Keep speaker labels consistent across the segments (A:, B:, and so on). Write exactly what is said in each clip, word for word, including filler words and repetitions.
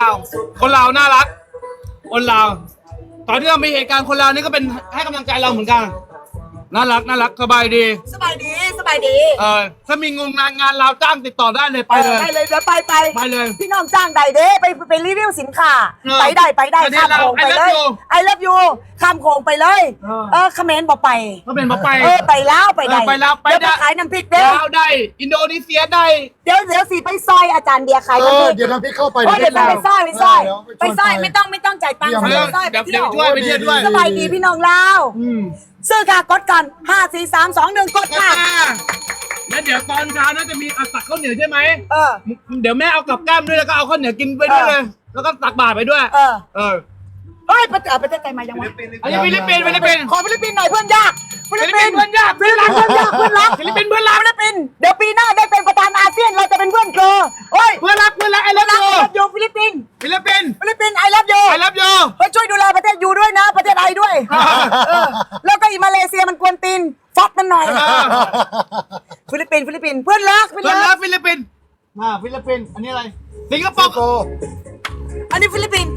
A: าวคนลาวน่ารักคนลาวตอนที่เรามีเหตุการณ์คนลาวนี่ก็เป็นให้กำลังใจเราเหมือนกันน่ารักน่ารักสบายดี
B: สบายดีสบายดี
A: เออถ้ามีงงานงานเราจ้างติดต่อได้เลยไปเลย
B: ไปเลยเดี๋ยวไปไป
A: ไปเลย
B: พี่น้องจ้างใดเด้ไปไปรีวิวสินค้าไปได้ไปได้ข้ามโขงไปเลยไอเลิฟยูข้ามโขงไปเลยเออเขมรบอกไป
A: เขมรบอกไป
B: เออไปแล้วไปได้
A: ไปแล้วไปได้
B: ขายน้ำพริกเด้
A: ลาวได้อินโดนีเซียได้
B: เดี๋ยวเดี๋ยวสิไปซอยอาจารย์เดียขายน้ำพริก
C: เดี๋ยวน้ำพริกเข้าไป
B: เดี๋ยวไปซอยไปซอยไปซอยไม่ต้องไม่ต้องจ่ายตังค์ไปซอยไปเที่ยว
A: ช่วยไปเที่ยวด้วย
B: สบายดีพี่น้องลาวซื้อค่ะกดกันห้าสี่สามสองหนึ่งกดค่ะ
A: แล้วเดี๋ยวตอนเช้าน่าจะมีเอาตักข้าวเหนียวใช่ไหม
B: เออ
A: เดี๋ยวแม่เอากับแก้มด้วยแล้วก็เอาข้าวเหนียวกินไปด้วยเลยแล้วก็ตักบาตรไปด้วย
B: เออ
A: เออ
B: เฮ้ยประเทศประเทศไทยมายังวะ
A: อันนี้ฟิลิปปินส์ฟิลิปปินส์
B: ขอฟิลิปปินส์หน่อยเพื่อนยาก
A: ฟิลิปปินส์เพื่อนยาก
B: ฟิลิปปินส์เพื่อนยากเพื่อนรัก
A: ฟิลิปปินส์เพื่อนรัก
B: ฟิลิปปินส์เดี๋ยวปีหน้าได้เป็นประธานอาเซียนเราจะเป็นเพื่อนเธอโอ้ย
A: เพื่อนรักเพื่อนรักไอเลิฟยู
B: ฟิลิปปินส์
A: ฟิลิปปินส์
B: ฟิลิปปินส์ไอเลิฟยู
A: ไอเลิฟยู
B: เฮ้ยช่วยดูแลประเทศยูด้วยนะประเทศไทยด้วยแล้วก็อีมาเลเซียมันกวนตีนฟอดมันหน่อยฟิลิปปินส์ฟิลิปปินส์เพื่อนรัก
A: เพื่อนรักฟิลิปปินส์อ่าฟิลิปปินส์อันนี้อะไรสิงคโปร์
B: อันนี้ฟิลิปปินส์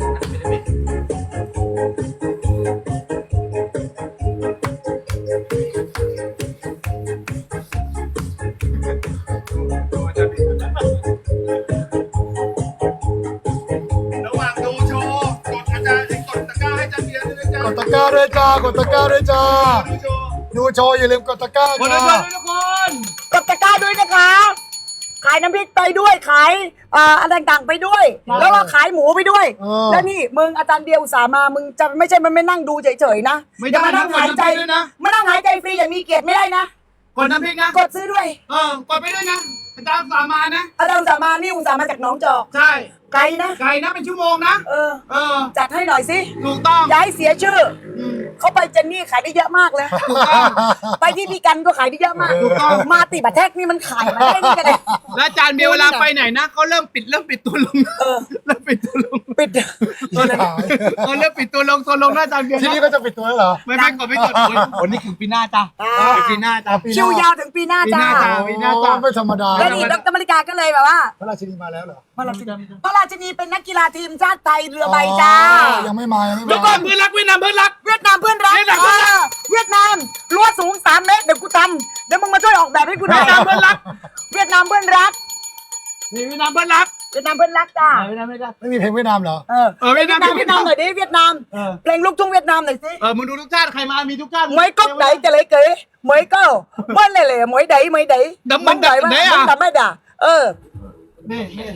A: ระหว่างดูโชว์กดอาจารย์กดตะกร้าให้จันเดียด้วยจ้าก
C: ดตะกร้าด้วยจ้ากดตะกร้าด้วยจ้าดูโชว์อย่าลืมกดตะกร้า
A: จ้าทุกคน
B: กดตะกร้าด้วยนะคะขายน้ำพริกไปด้วยขายอ่าอะไรต่างๆไปด้วยแล้วก็ขายหมูไปด้วยแล้วนี่มึงอาจารย์เดียวอุตส่าห์มามึงจะไม่ใช่มันไม่นั่งดูเฉยๆนะ
A: อย่ามา
B: นั่งหายใจ
A: นะ
B: มานั่งหายใจฟรีอย่างมีเกียรติไม่ได้นะ
A: กดน้ำพริกนะ
B: กดซื้อด้วย
A: เออกดไปด้วยนะอาจารย์อุตส่าห์มานะ
B: อาจารย์อุตส่าห์มานี่อุตส่าห์มาจากหนองจอก
A: ใช่
B: ไกลนะ
A: ไกลนะเป็นชั่วโมงนะ
B: เออ
A: เออ
B: จัดให้หน่อยสิ
A: ถูกต้อง
B: ย้ายเสียชื่อเขาไปเจนนี่ขายได้เยอะมากเลยไปที่พี่กันก็ขายได้เยอะมากมาติบัตแท็กนี่มันขายมาได้นี่กันเลย
A: แล้วอาจารย์เบียร์เวลาไปไหนนะเขาเริ่มปิดเริ่มปิดตัวลงเริ่มปิดตัวลง
B: ปิด
A: ตัวลงเขาเริ่มปิดตัวลงตัวลงนะอาจารย์เบียร์
C: ที่นี่ก็จะปิดตัวแล้วเหรอ
A: ไม่ไม่กดไม่กดวันนี้ถึงปีหน้าจ้าปีหน้าจ้า
B: คิวยาวถึงปีหน้าจ้า
A: ปีหน้าจ้า
C: ไม่ธรรมดา
B: แล้วนี่ดร.มริกาก็เลยแบบว่า
C: พระราชินีมาแล้วเหรอ
B: พระราชินีพระราชินีเป็นนักกีฬาทีมชาติไทยเรือใบจ้า
C: ยังไม่มายังไม่มา
A: เดี๋ยวก่อนเพื่อนรักเวียดนามเพื่อนรัก
B: เวียดนามเพื่อนรักเวียดนามรั้วสูงสามเมตรเดี๋ยวกูทำเดี๋ยวมึงมาช่วยออกแบบให้กูหน่อย
A: เวียดนามเพื่อนรัก
B: เวียดนามเพื่อนรัก
A: นี่เวียดนามเพื่อนรัก
B: เวียดนามเพื่อนรักจ้า
A: เวียดนามไม่ได้
C: ไม่มีเพลงเวียดนามเหรอ
B: เออ
A: เออเวียดนาม
B: เวียดนามหน่อยดิเวียดนามเพลงลูกทุ่งเวียดนามหน่อยสิ
A: เออมึงดูทุกชาติใครมามีทุกชาติ
B: มวยก๊กไหนจะเลยเก๋มวยก็มวยเล่ๆมวยไหนมวยไหน
A: มันไหน
B: มันทำไม่ด่าเออ
A: นี่นี่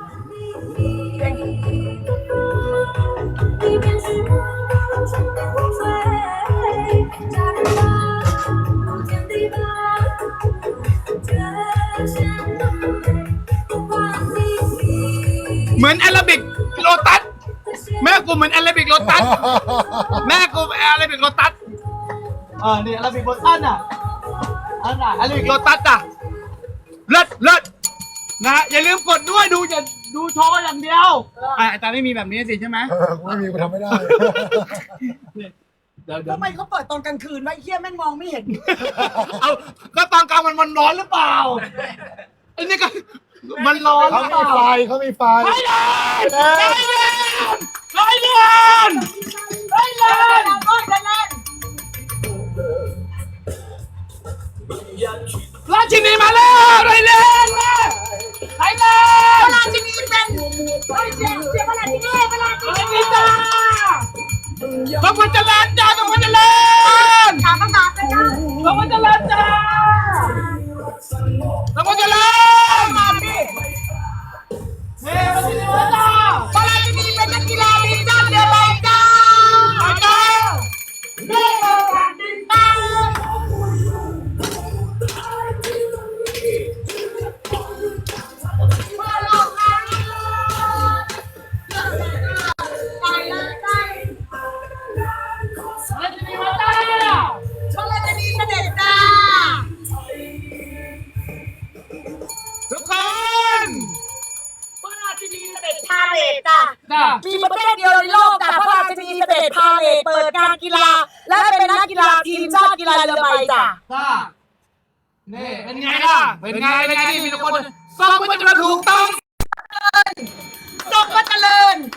A: เหมือนแอโรบิกโลตัสแม่กูเหมือนแอโรบิกโลตัสแม่กูแอโรบิกโลตัสอ่านี่แอโรบิกโลตัสอ่ะอันน่ะแอโรบิกโลตัสอ่ะเลิศเลิศนะอย่าลืมกดด้วยดูอย่าดูโชว์อย่างเดียวอ่าแต่ไม่มีแบบนี้สิใช่ไหม
C: ไม่มีกูทำไม่ได้
B: ทำไมเขาเปิดตอนกลางคืนวะไอ้เหี้ยแม่งมองไม่เห็น
A: เอาก็ตอนกลางมันมันร้อนหรือเปล่าไอ้นี่ก็มันร้อน
C: เขามีไฟเขามีไฟ
A: ไฟเดินไฟเดินไฟเดินไฟเดินราชินีมาแล้วไรเล่นไรเล่น
B: ราชินีเป็นเฮ้ยเสียเสียราชินีราชินี
A: จ้าต้องมาเจริญจ้าต้องมาเจริญ
B: ถามคำถามเลยจ้า
A: ต้องมาเจริญจ้าต้องมาเจริญ
B: มาดิ
A: เฮ้ยราชินีมาจ้า
B: ราชินีเป็นนักกีฬาทีมชาติเรือใบจ้าจ้าเรือใบจ้า
A: ทุกคน
B: พระราชินีเสด็จพาเหรดจ้ะมีประเทศเดียวในโลกจ้ะพระราชินีเสด็จพาเหรดเปิดงานกีฬาและเป็นนักกีฬาทีมชาติกีฬาเรือใบจ้ะ
A: นี่เป็นไงล่ะเป็นไงเป็นไงที่มีทุกคนส่งมาจะถูกต้อง
B: ส่งมาเจริญ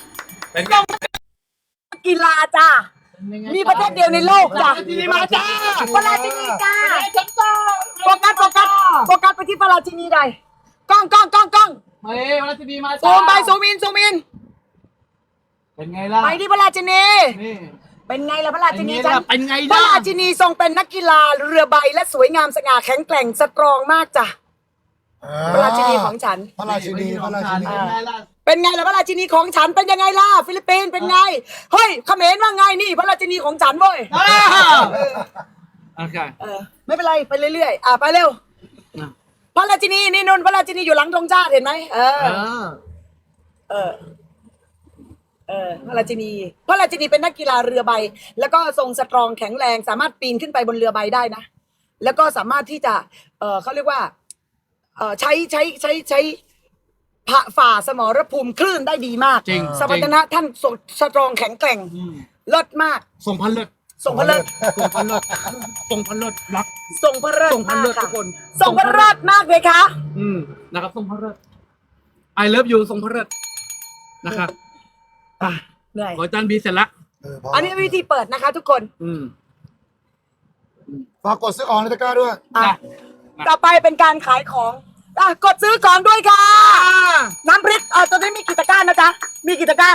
A: เป็นไง
B: กีฬาจ้ามีประเทศเดียวในโลกจ้ะ
A: ทีนี้มาจ้า
B: ปาราจินีจ้าโฟกัสโฟกัสโฟกัสไปที่ปาราจินีใดกล้องกล้องกล้องกล้อง
A: เฮ้ยมาทีนี้มา
B: ซูมไปซูมอินซูมอิน
A: เป็นไงล่ะ
B: ไปที่พระราชินี
A: นี่
B: เป็นไงล่ะพระราชินี
A: เป็นไงล่ะเป็นไงล่ะ
B: พระราชินีทรงเป็นนักกีฬาเรือใบและสวยงามสง่าแข็งแกร่งสตรองมากจ้ะพระราชินีของฉัน
C: พระราชินีพระราชินี
A: เป็นไงล่ะ
B: เป็นไงล่ะพระราชินีของฉันเป็นยังไงล่ะฟิลิปปินส์เป็นไงเฮ้ยเขมรว่าไงนี่พระราชินีของฉันเว้ย
A: อ้าว โอเค
B: เออไม่เป็นไรไปเรื่อยๆอ่ะไปเร็ว
A: อ่ะ
B: พระราชินีนี่นนพระราชินีอยู่หลังธงชาติเห็นไหมเออ
A: เออ
B: เออ เออ พระราชินี พระราชินีเป็นนักกีฬาเรือใบ แล้วก็ทรงสตรองแข็งแรง สามารถปีนขึ้นไปบนเรือใบได้นะ แล้วก็สามารถที่จะ เออเขาเรียกว่า เออใช้ใช้ใช้ใช้ผ่าฝ่าสมรภูมิคลื่นได้ดีมาก
A: จริง
B: สมรรถนะท่านทรงสตรองแข็งแกร่ง
A: อืม
B: เลิศมาก
A: ส่งพันเลิศ
B: ทรงพระเลิศ
A: ส่งพันเลิศส่งพันเลิศรัก
B: ทรงพระเลิศ
A: ทรงพระเลิศ
B: มาก
A: ทุกคน
B: ทรงพระเลิศมากเลยคะ
A: อืมนะครับส่งพันเลิศ I love you ส่งพันเลิศนะครับอ่ะ
B: เหนื่อย
A: ขอจานบีเสร็จละ
C: เออพอ
B: อันนี้วิธีเปิดนะคะทุกคน
A: อืม
C: ฝากกดซื้อออนในตะกร้าด้วย
B: อ่ะ
A: นะ
B: ต่อไปเป็นการขายของอ่ะกดซื้อของด้วยค่ะ น้ำพริกเออตอนนี้มีกี่ตะกร้านะจ๊ะ มีกี่ตะกร้า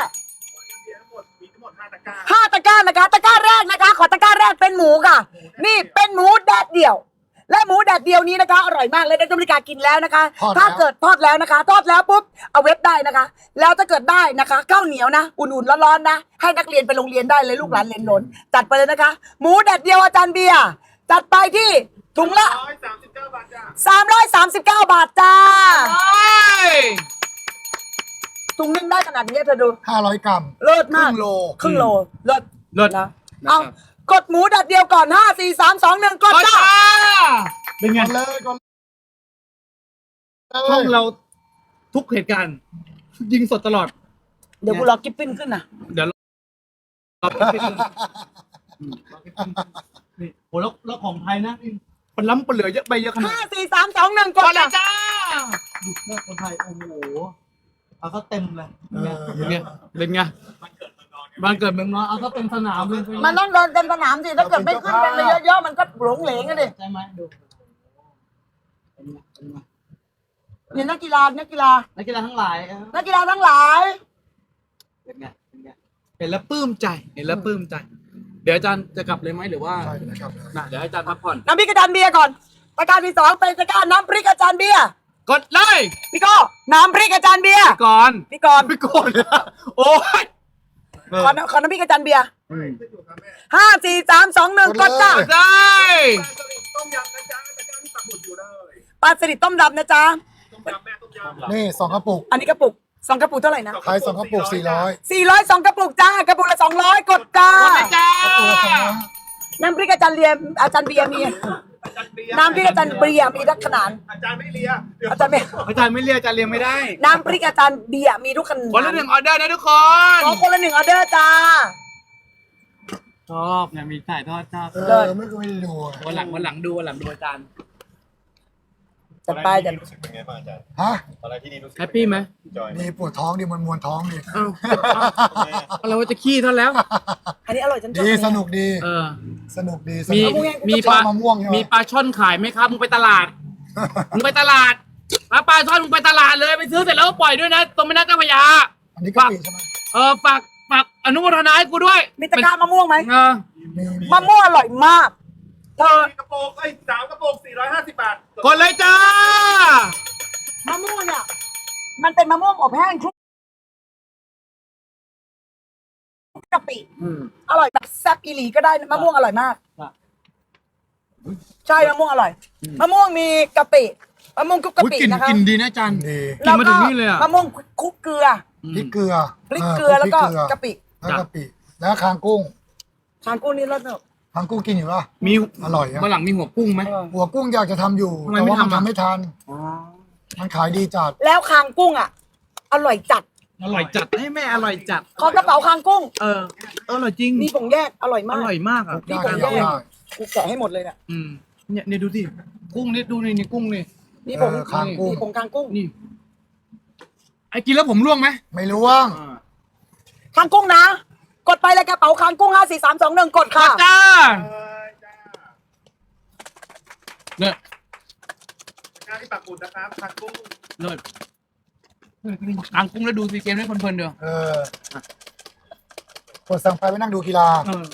B: ห้าตะกร้านะคะ ตะกร้าแรกนะคะ ขอตะกร้าแรกเป็นหมูค่ะ นี่เป็นหมูแดดเดี่ยว และหมูแดดเดียวนี้นะคะ อร่อยมากเลยได้ต้มริกากินแล้วนะคะ
C: ทอดแล้ว
B: ถ้าเกิดทอดแล้วนะคะ ทอดแล้วปุ๊บ เอาเว็บได้นะคะ แล้วถ้าเกิดได้นะคะข้าวเหนียวนะ อุ่นๆร้อนๆนะ ให้นักเรียนไปโรงเรียนได้เลยลูกหลานเรียนหลนจัดไปเลยนะคะ หมูแดดเดียวอาจารย์เบียร์จัดไปที่ถุงละสามร้อยสามสิบเก้าบาทจ้า
A: เฮ้ย
B: ถุงนึงได้ขนาดนี้เธอดู
C: ห้าร้อยกรัม
B: เลิศ
C: ครึ่
B: มาก
C: งโล
B: ครึ่งโลเลิศ
A: เลิศ
B: นะ
A: นะครับ
B: เอากดหมูดัดเดียวก่อนห้าสี่สามสองหนึ่งกด
A: ก็
B: จ้า
A: จ้าเป็นไง
C: ก่อนเลยก่อนเลย
A: ช่องเราทุกเหตุการณ์ยิงสดตลอด
B: เดี๋ยวกูรอกิฟฟินขึ้นนะ
A: เดี๋ยวเราเราไปคิดกันอืมเราไปคิดกันนี่โหแล้วแล้วของไทยนะนี่มันล้ำปนเหลือเยอะไปเยอะขนาด
B: ห้าสี่สามสองหนึ่งก
A: ก่
B: ด
A: อนเล
B: จ้าย
A: จ้าดูแม่คนไทยโอ้โหเอาเขาเต็มเลย
C: เออ
A: เป็นไงเป็นไงบ้านเกิดเมืองนอนเอาเขาเต็มสนามเลย
B: มันต้องเดินเต็มสนามสิถ้าเกิดไม่ขึ้นกันไปเยอะๆมันก็หลงเหลงกันดิ
A: ใช่ไหมดูเป็นไงเป็นไง
B: นี่นักกีฬานักกีฬา
A: นักกีฬาทั้งหลายเออ
B: นักกีฬาทั้งหลาย
A: เป็นไงเป็นไงเห็นแล้วปลื้มใจเห็นแล้วปลื้มใจ เดี๋ยวอาจารย์จะกลับเลยไหมหรือว่า
C: ใช่นะครับ
A: น่ะเดี๋ยวอาจารย์พักผ่อน
B: น้ำพริกอาจารย์เบียร์ก่อนประการที่สองเป็นประการน้ำพริกอาจารย์เบียร์
A: กดเลย
B: พี่โก้น้ำพริกอาจารย์เบียร์
A: ก่อน
B: พี่กรณ์
A: ไม่โกรธเลยอะโอ้ย
B: ขอน้ำขอน้ำพริกอาจารย์เบียร์ห้าสี่สามสองหนึ่งกดจ้า
A: ได้
B: ปลาสลิดต้มดำนะจ๊ะ
C: นี่สองกระปุก
B: อันนี้กระปุกสองกระปุกเท่าไหร่นะ
C: ขายสองกระปุกสี่ร้อย
B: สี่ร้อยสองกระปุกจ้ากระปุกละสองร้อยกดจ้าก
A: ดเลยจ้า
C: ตัวละสองร้อย
B: น้ำพริกอาจารย์เบียร์อาจารย์เบียร์มีน้ำพริกอาจารย์เบียร์มีทุกขนาดอาจารย์ไม่เลียอาจารย์ไม่
A: อาจารย์ไม่เรียกอาจารย์เรียงไม่ได้
B: น้ำพริกอาจารย์เบียร์มีทุกขนาด
A: คนละหนึ่งออเดอร์นะทุกคน
B: ขอคนละหนึ่งออเดอร์จ้า
A: ชอบเนี่ยมีถ่ายทอดชอบ
C: เออไม่เคยดูอะ
A: วันหลังวันหลังดูวันหลังดูอาจารย์
B: จัดไปจัด
D: รู้สึกเป็นไงบ้างอาจารย์
C: ฮะ
D: ตอนแรกที่นี่รู้สึก
A: แฮปปี้ไหม
D: จอย
C: นี่ปวดท้องดิมันมวนท้องดิ
A: เอ้าเอาเราจะขี้เท่าแล้ว
B: อันนี้อร่อยจัง
C: ดีสนุกดี
A: เออ
C: สนุกดีส
A: มี
C: นุก
A: มี
C: ช
A: ป
C: อ
A: ลา
C: บมะม่วงใช่ไหม
A: มีปลาช่อนขายไหมครับมึงไปตลาดมึงไปตลาดปลาปลาช่อนมึงไปตลาดเลยไปซื้อเสร็จแล้วก็ปล่อยด้วยนะตรงแม่น้ำเจ้าพระยา
C: อันนี้กะปิใช่ไหม
A: เออฝากฝากอนุโมทนาให้กูด้วย
B: มีตะกร้ามะม่วงไหม
A: เออ
C: มีมี
B: มะม่วงอร่อยมากเธอก
D: ระโปรงไอ้ยสามกระโปรงสี่ร้อยห้าสิบบาท
A: กดเลยจ้าม
B: ะม่วงเนี่ยมันเป็นมะม่วงอบแห้งคลุกกะปิ
A: อืม
B: อร่อยแบบแซ่บอีหลีก็ได้นะมะม่วงอร่อยมาก
A: ครับ
B: ใช่มะม่วงอร่อยมะม่วงมีกะปิมะม่วงคลุกกะ
A: อุ้ย
B: ปิ
A: กลิ่น
B: นะคะ
A: กลิ่นดีนะอาจารย์
C: ดี
A: กินมาถึงนี่เลยอะ
B: มะม่วงคลุกเกลือ
C: พริกเกลือ
B: พริกเกลือแล้วก็
C: พริเลือก
B: ะปิ
C: แล้วกะปิแล้วคางกุ้ง
B: ทานกุ้งนี่รสเนอะ
C: คางกุ้งกินอยู่ปะ
A: มี
C: อร่อยอะ
A: วันหลังมีหัวกุ้งไหม
C: หัวกุ้งอยากจะทำอยู่
A: ทำไม
C: แต่
A: ไม่
C: ว่ามัน
A: ทำอะ
C: ทำไม่ทัน
A: อ๋อ
C: มันขายดีจัด
B: แล้วคางกุ้งอ่ะ อร่อยจัด
A: อร่อยจัดให้แม่อร่อยจัด
B: ขอกระเป๋าคางกุ้ง
A: เออเอออร่อยจริง
B: มีผงแยกอร่อย
A: อ
B: มาก
A: ร่อยมากอ่ะ
C: ได้
B: ผง
C: ได้
B: แยก
C: ได้
B: กูแกะให้หมดเลยเนี่ย
A: อืมเนี่ยเนี่ยดูสิกุ้งนี่ดูนี่นี่กุ้งนี่
B: มีผง
C: เออคางกุ้ง
B: มีผงคางกุ้ง
A: นี่ไอ้กินแล้วผมร่วงไหม
C: ไม่รู้ว่าง
A: อ่า
B: คางกุ้งนะ กดไปเลยกระเป๋าคางกุ้งห้าสี่สามสองหนึ่งกดค่ะ
A: จ้า
D: เอ้ยจ้า
A: เลิศ
D: การที่ปักหมุดนะครับทางกุ้ง
A: เลิศกางกุ้งแล้วดูซีเกมได้เพลินๆเดียว
C: เออกดสั่งไปไปนั่งดูกีฬา
A: เออ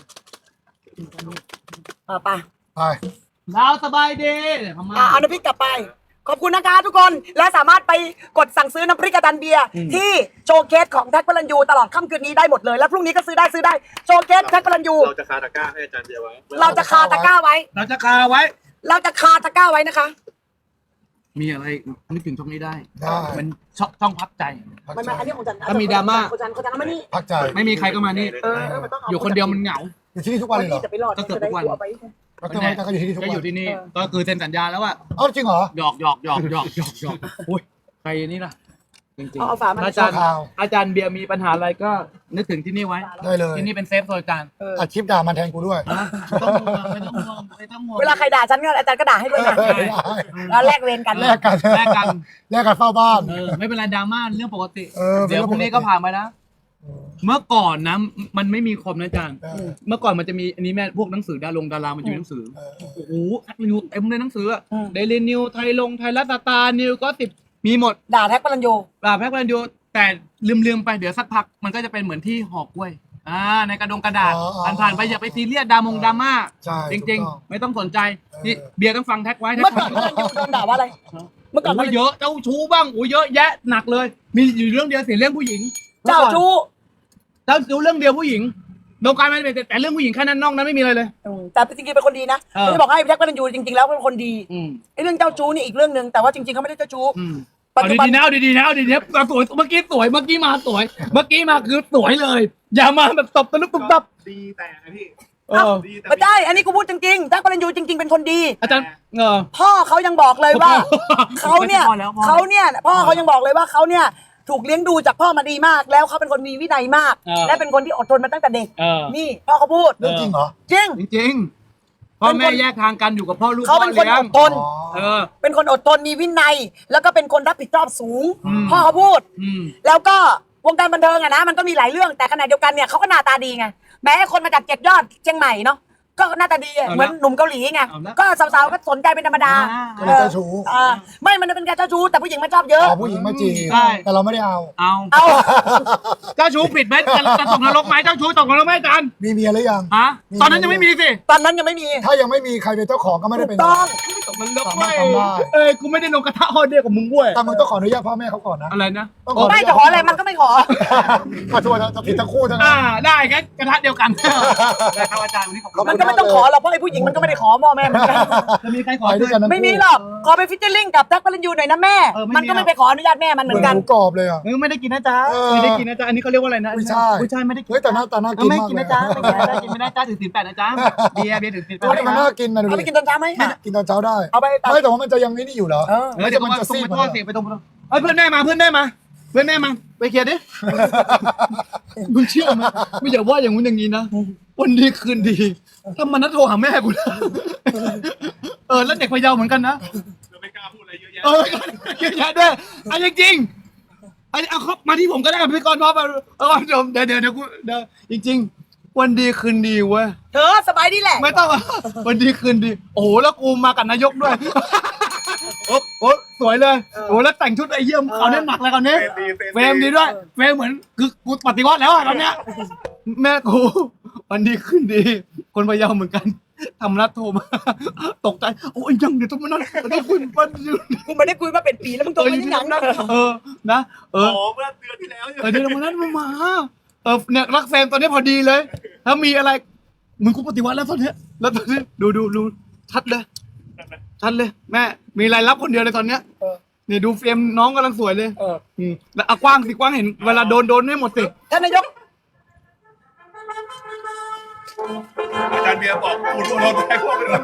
B: อ่าไป
C: ไป
A: ดาวสบายดีทำไม
B: อ่าเอาน้ำพริกกลับไป ขอบคุณนะคะทุกคน และสามารถไปกดสั่งซื้อน้ำพริกกระดันเบียร์ที่โชว์เคสของแท็กพลันยูตลอดค่ำคืนนี้ได้หมดเลย และพรุ่งนี้ก็ซื้อได้ซื้อได้โชว์เคสแท็กพลันยู
D: เราจะคาตะกร้าให้อาจารย์เบียร์ไว้
B: เราจะคาตะกร้าไว้
A: เราจะคาไว้
B: เราจะคาตะกร้าไว้นะคะ
A: มีอะไรนึกถึงช่องนี้ได้
C: ได้
A: มันช่องช่องพักใจ
C: พัก
B: มัน
C: ใจ
B: มาอันนี้ของจัน
A: ถ้ามีดราม่า
B: ของจันของจันเอามานี่
C: พักใจ
A: ไม่มีใครก็มานี่
B: เออเออมันต้องเอา
A: อยู่คนเดียวมันเหงา
C: อยู่ที่นี่ทุกวันเลยเหรอ
B: จะไปรอด
A: ก็เกือบทุกวัน
B: จะได้เอาไป
C: พักทำไมก็อยู่ที่นี่ทุก
A: ก็
C: วั
A: อยู่
C: น
A: ที่นี่ก็คือเซ็นสัญญาแล้วว่า
C: เอ้าจริงเหรอ
A: หยอกหยอกหยอกหยอกหยอกหยอกอุ้ยใครนี่ล่ะจริง
B: เอาเอาฝามา
A: อาจารย์
C: ชั่วคราว
A: อาจารย์เบียร์มีปัญหาอะไรก็นึกถึงที่นี่ไว้
C: ได้เลย
A: ที่นี่เป็นเซฟโซนอาจารย์
B: เออ
C: อัดคลิปด่ามันแทนกูด้วย
A: นะไม่ต้องห่วงไม่ต้องห่วงไม่ต้องห่วง
B: เวลาใครด่าฉันก็อาจารย์ก็ด่าให้ด้วยนะ
C: ได้
B: แล้วแลกเวรกัน
C: แลกกัน
A: แลกกัน
C: แลกกันเฝ้าบ้าน
A: เออไม่เป็นไรดราม่าเรื่องปกติ
C: เออเป็น
A: เดี๋ยว
C: เรื่อง
A: พรุ่งนี้
C: ปกติ
A: ก็ผ่านไปนะ เมื่อก่อนนะ มันไม่มีคอมนะอาจารย์
C: เออ
A: เมื่อก่อนมันจะมีอันนี้แม่พวกหนังสือดารงดารามันจะมีหนังสือ
C: เออ
A: โอ้โหทักนิวเต็มเลยหนังสือเดลินิวไทยลงไทยรัฐสตาร์นิวก็สิบมีหมด
B: ด่าแท็กพลันยู
A: ปราบแพ็กพลันยูแต่ลืมๆไปเดี๋ยวสักพักมันก็จะเป็นเหมือนที่หอกกล้วยอ่าในกระดงกระดาษ
C: อ๋ออ๋อ
A: ผ่านผ่านๆไปอย่าไปซีเรียสดามงดราม่า
C: ใช่
A: จ
C: ถูก
A: ริง
C: ต้อง
A: ๆ ไม่ต้องสนใจนี่
C: เออ
A: เบียร์ต้องฟังแท็กไว้แท็ก
B: เมื่อก่อนพลันยูโดนด่าว่าอะไร เมื่อก่อนพ
A: โอ้
B: ลั
A: ย
B: นยู
A: เยอะเจ้าชู้บ้างโอ้ยเยอะแยะหนักเลย มีอยู่เรื่องเดียวเสียเรื่องผู้หญิง
B: เจ้าชู้
A: เจ้าชู้เรื่องเดียวผู้หญิงโดนการไม่เป็นแต่เรื่องผู้หญิงแค่นั้นนอกนั้นไม่มีอะไรเลย
B: อืมแต่จริงๆเป็นคนดีนะ
A: เออ
B: ผมจะบอกให้แท็กพลันยูจริงๆแล้วเป็นคนดี
A: อืม
B: ไอ้เรื่องเจ้าชู้นี่อีกเรื่องหนึ่งแต่ว่าจริงๆเขาไม่ได้เจ้าชู้
A: อืม
B: ปัจ
A: เอา
B: จุบัน
A: ดีๆนะเอาดีๆนะเอาดีๆนะเอาสวยเมื่อกี้สวยเมื่อกี้มาสวย เมื่อกี้มาคือสวยเลย อย่ามาแบบตบตะลุกตุบตับ
D: ดีแต่นะพี่
A: เออ
D: ดีแต่
B: ไม่ได้ อันนี้กูพูดจริงๆแท็กพลันยูจริงๆเป็นคนดี
A: อาจารย์เออ
B: พ่อเขายังบอกเลยว่า เขาเนี่ย
A: พอแล้วพอแล้ว
B: เขาเนี่ยพ่อเขายังบอกเลยว่าเขาเนี่ยถูกเลี้ยงดูจากพ่อมาดีมาก แล้วเขาเป็นคนมีวินัยมาก
A: เออ
B: และเป็นคนที่อดทนมาตั้งแต่เด็ก
A: เออ
B: นี่พ่อเขาพูด
C: เรื่องจริงเหรอ
B: จริง
A: จริงๆพ่อแม่แยกทางกันอยู่กับพ่อลูก
B: เขาเป็นคน
A: พ่
B: อ
A: ลี้ย
B: ด
A: ง
B: ทน
C: อ๋อ
A: เออ
B: เป็นคนอดทนมีวินัย แล้วก็เป็นคนรับผิดชอบสูง
A: อืม
B: พ่อเขาพูด
A: อืม
B: แล้วก็วงการบันเทิงอะนะมันก็มีหลายเรื่องแต่ขณะเดียวกันเนี่ยเขาก็หน้าตาดีไงแม้คนมาจากเจ็ดยอดเชียงใหม่เนาะก็หน้าตาดีอะ
A: เอาละ
B: เหมือนหนุ่มเกาหลีไง
A: เอาละ
B: ก็สาวๆก็สนใจเป็นธรรมดา
C: ก็เลยเจ้าชู้
B: เออไม่มันเป็นการเจ้าชู้แต่ผู้หญิงมันชอบเยอะ
C: อ๋อผู้หญิงมาจีบ
A: ใช่
C: แต่เราไม่ได้เอา
A: เอา
B: เอา
A: เจ้าชู้ผิดไหมจะจะตกนรกไหมเจ้าชู้ตกนรกไหมอาจารย์
C: มีเมียหรือยัง
A: ฮะตอนนั้นยังไม่มีสิ
B: ตอนนั้นยังไม่มี
C: ถ้ายังไม่มีใครเป็นเจ้าของก็ไม่ได้เป็น
B: ต้อง
A: ตกนรก
C: สา
A: เว้
C: มารถ
A: ย
C: ทำได้
A: เอ้ยกูไม่ได้ลงกระทะฮอดเดียวกับมึงเว้ย
C: แต่มึงต้องขออนุญาตพ่อแม่เขาก่อนนะ
A: อะไรนะ
C: ต้องขออนุ
B: ไม่
C: ญาต
B: จะขออะไรมันก็ไม่ขอ
C: ขอโทษนะจะผิดทั้งคู่ทั้งนั้
A: อ่าน ได้ครับกระทะเดียวกันได้ครับอาจารย์วันนี้ขอบคุณ
B: มันก็ไม่ต้องขอหรอกเพราะไอ้ผู้หญิงมันก็ไม่ได้ขอพ่อแม่เหมือนกัน
A: จะมีใครขอ
C: ไปด้วยกันทั้งคู่
B: ไม่มีหรอกขอไปฟิชเชอร์ลิงกับแท็กพลันยูหน่อยนะแม่
A: เออไม่มี
B: มันก็ไม่ไปขออนุญาตแม่มันเห
C: เห
B: มื
C: มื
B: อ
C: อน
B: น
C: ห
B: กัน
C: มูกรอบเลยอ่ะ
A: เออไม่ได้กินนะจ๊ะ
C: เออ
A: ไม่ได้กินนะจ๊ะอันนี้เขาเรียกว่าอะไรนะ
C: กุ้ยช่าย
A: กุ้ยช่ายไม่ได้กิน
C: เฮ้ยแต่หน้าตาน่า
A: เอ
C: กิ
A: อน ไม่
C: มาก
A: กิน
C: เลย
A: นะจ๊ะไม่กินนะจ๊ะกินไม่ได้จ๊ะถือศีลแปดนะจ๊ะเบียร์เบียร์ถือศีลแปด
C: เฮ้ยมันน่ากินนะดู
B: เอาไป
C: ดิ
B: กินตอนเช้าไหม
C: กินตอนเช้าได้
B: เอาไปตัด
C: ไม่แต่ว่ามันจะยังไม่นี่อยู่เหรอ
B: เออ
A: เออเดี๋ยว
C: มัน
A: มัน
C: จะ
A: จะ
C: ซี
A: ซี
C: ด
A: ด
C: มา
A: ไปเสียไปตรงนั้นเอ้ยเพื่อนได้มาเพื่อนได้มาเพื่อนได้มาไปเคลียร์ดิมึงเชื่อไหมไม่อย่าว่าอย่างงู้นอย่างนี้นะวันดีคืนดีถ้ามันนัดโทรหาแม่กูนะเออแล้วเด็กพะเยาเหมือนกันนะ
D: เราไม่กล้าพูดอะไรเยอะแยะ
A: เออเยอะแยะด้วยอันจริงๆอันเอาครับมาที่ผมก็ได้พี่กรณ์พร้อมมาเออผู้ชมเดี๋ยวเดี๋ยวเดี๋ยวกูเดี๋ยวจริง ๆ วันดีคืนดีเว้ย
B: เธอสบายดีแหละ
A: ไม่ต้องอะวันดีคืนดี โอ้โหแล้วกูมากับนายกด้วยโอ้โหสวยเลยโอ้โหแล้วแต่งชุดไอ้เยี่ยมเขาเนี่ยหนักเลยคราวนี้
D: เฟรมดี
A: เฟรมดีด้วยเฟรมเหมือนคือกูปฏิวัติแล้วอะตอนเนี้ยแม่กูวันดีคืนดี คนพะเยาเหมือนกันทำรัดโทรมา ตกใจโอ้ยยังเดี๋ยวต้องมานั่งต้องคุยวันอยู่
B: กูไม่ได้คุยมาเป็นปีแล้วมึงโทรมาที่หนังนะ
A: เออนะเออ
D: อ๋อเมื่อเดือนที่แล้ว
A: เออเดี๋ยววันนั้นมามาเออเนี่ยรักแฟนตอนนี้พอดีเลย ถ้ามีอะไรมึงกูปฏิวัติแล้วตอนเนี้ยแล้วตอนนี้ดูดูดูชัดเลยชัดเลย แม่มีรายรับคนเดียวเลยตอนเนี้ย
B: เออ
A: นี่ดูเฟรมน้องกำลังสวยเลย
B: เออ
A: อืมแล้วเอากว้างสิกว้างเห็นเวลาโดนโดนให้หมดสิ
B: ท่านนายก
D: อาจารย์เบียร์บอกคุณโดนแทงพวกไปด้วย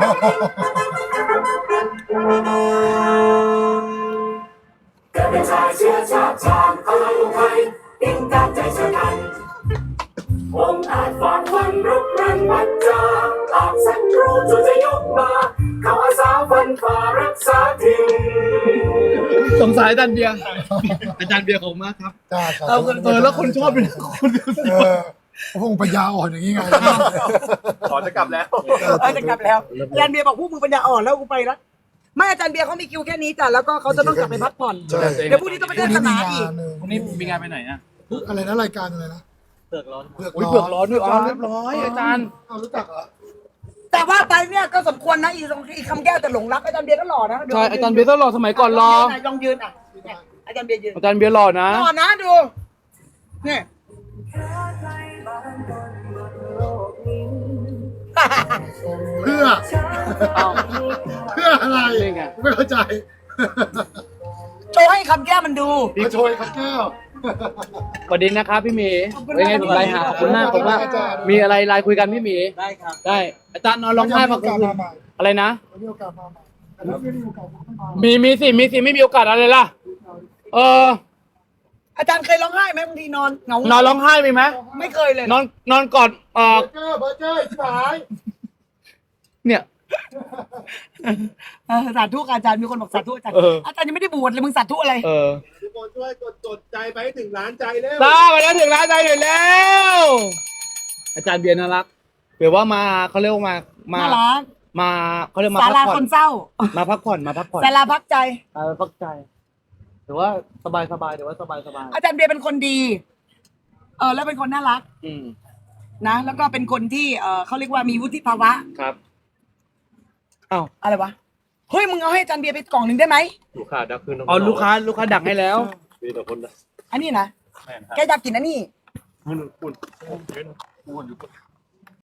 E: เกิดเป็นชายเชื้อชาติชาติพลังไทยยิ่งการใจชะกันองค์อาจฝากวันรุกรันวัดจาอาจสันรู้จู่จะยกมา เขาอาสาฟันฝ่ารักษาถิ่น
A: สงสารอาจารย์เบียร์อาจารย์เบียร์ของมากครับ
C: จ้าสา
A: เอ
C: ธุ
A: อเออแล้วคนชอบเป็นคนดูสิ
C: เออพวกมึงปัญญาอ่อนอย่างนี้ไง
D: ขอจะกลับแล้ว
B: เออจะกลับแล้วอาจารย์เบียร์บอกพวกมึงปัญญาอ่อนแล้วกูไปละไม่อาจารย์เบียร์เขามีคิวแค่นี้จ้ะแล้วก็เขาจะต้องกลับไปพักผ่อน
C: ใช่
B: เดี๋ยวพรุ่งนี้ต้องไปเทศนาอีก
A: วันนี้มีงานไปไหนอ่ะ
C: อะไรนะรายการอะไรนะ
A: เปลือกร้อน
C: เผือก
A: อุ้ย
C: ร้
A: เปลือก
C: อน
A: ร้อนด้วยอ๋อเรียบร้อยอาจารย์
C: เอารู้จักเหรอ
B: แต่ว่าไปเนี่ยก็สมควรนะอีอีคำแก้วแต่หลงรักอาจารย์เบียร์ก็หล่อนะ
A: ใช่อาจารย์เบียร์ต้องรอสมัยก่อนรอ
B: ลองยืนอ่ะเนี่ยอาจารย์เบียร์ยืน
A: อาจารย์เบียร์หล่อนะ
B: หล่อนะดูนี่
C: เพื่อ
A: เอา
C: เพื่ออะไร
A: นี่ไง
C: ไม่เข้าใจ
B: โชว์ให้คำแก้วมันดู
C: มาโชยครับแก้ว
A: สวัสดีนะครับพี่หมี
B: ขอบคุณ
A: เป็นไง
B: มาก
A: ผมไลน์หาขอบคุณมากขอบคุณมาก
C: อาจารย์
A: มีอะไรไลน์คุยกันพี่หมี
B: ได้ครับ
A: ได้อาจารย์นอนร้องไห้
C: มา
A: มา
C: โอกาส
A: คืน
C: มาใหม่
A: อะไรนะ
C: มีโอกาสมาใหม่แต่ถ้าไม่มีโอกาสมาต้องมา
A: มีมีสิมีสิไม่มีโอกาสอะไรล่ะ เออ
B: อาจารย์เคยร้องไห้ไหมบางทีนอนเหงาน
A: อนร้องไห้มีไหม
B: ไม่เคยเลย
A: นอนนอนกอดเออ
C: เบอร์เกอร์เบอร์เกอร์ชิบหาย
A: เนี่ย
B: เออสาธุอาจารย์มีคนบอกสาธุอาจารย์
A: เออ
B: อาจารย์ยังไม่ได้บวชเลยมึงสาธุอะไร
A: เออ
D: ทุกคนช่วยกดกดใจไปให้ถึงล้านใจเร็ว
A: ตามาแล้วถึงร้านใจหน่อยแล้ว อาจารย์เบียร์น่ารักเบียร์ว่ามาเขาเรียกว่ามามา
B: น่ารัก
A: มาเขาเรียกมา
B: ศา
A: พัก
B: ลา
A: ผ่อ
B: คน นเศร้า
A: มาพักผ่อนมาพักผ่อน
B: ศาลาพักใจ
A: เออพักใจถือว่าสบายสบายถือว่าสบายสบาย
B: อาจารย์เบียร์เป็นคนดี เออแล้วเป็นคนน่ารัก
A: อืม
B: นะ แล้วก็เป็นคนที่เออเขาเรียกว่ามีวุฒิภาวะ
A: ครับอ้าว
B: อะไรวะ เฮ้ยมึงเอาให้อาจารย์เบียร์ไปกล่องหนึ่งได้ไหม
D: ลูกค้าดักขึ้น
A: อ๋อลูกค้าลูกค้าดักให้แล้ว
D: มีแต่คนนะ
B: อันนี้นะแกอยากกินอันนี้
D: คุณคุณคุณอยู่